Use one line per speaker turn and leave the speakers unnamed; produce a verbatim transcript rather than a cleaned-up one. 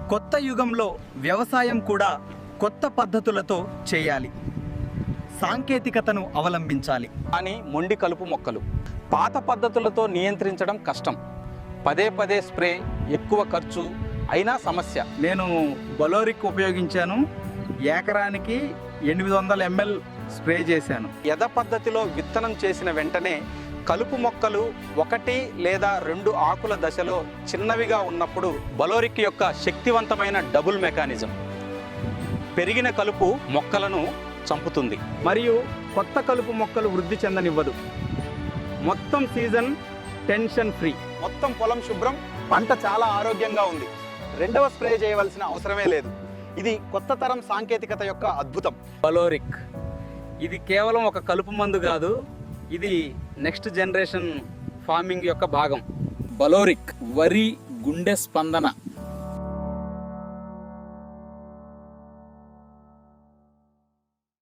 కొత్త యుగంలో వ్యవసాయం కూడా కొత్త పద్ధతులతో చేయాలి, సాంకేతికతను అవలంబించాలి.
కానీ మొండి కలుపు మొక్కలు పాత పద్ధతులతో నియంత్రించడం కష్టం. పదే పదే స్ప్రే, ఎక్కువ ఖర్చు, అయినా సమస్య.
నేను బలోరిక్ ఉపయోగించాను. ఎకరానికి ఎనిమిది వందల ఎంఎల్ స్ప్రే చేశాను.
యథ పద్ధతిలో విత్తనం చేసిన వెంటనే కలుపు మొక్కలు ఒకటి లేదా రెండు ఆకుల దశలో చిన్నవిగా ఉన్నప్పుడు బలోరిక్ యొక్క శక్తివంతమైన డబుల్ మెకానిజం పెరిగిన కలుపు మొక్కలను చంపుతుంది
మరియు కొత్త కలుపు మొక్కలు వృద్ధి చెందనివ్వదు. మొత్తం సీజన్ టెన్షన్ ఫ్రీ.
మొత్తం పొలం శుభ్రం, పంట చాలా ఆరోగ్యంగా ఉంది. రెండవ స్ప్రే చేయవలసిన అవసరమే లేదు. ఇది కొత్త తరం సాంకేతికత యొక్క అద్భుతం.
బలోరిక్ ఇది కేవలం ఒక కలుపు మందు కాదు, ఇది నెక్స్ట్ జనరేషన్ ఫార్మింగ్ యొక్క భాగం.
బలోరిక్ వరి గుండె స్పందన.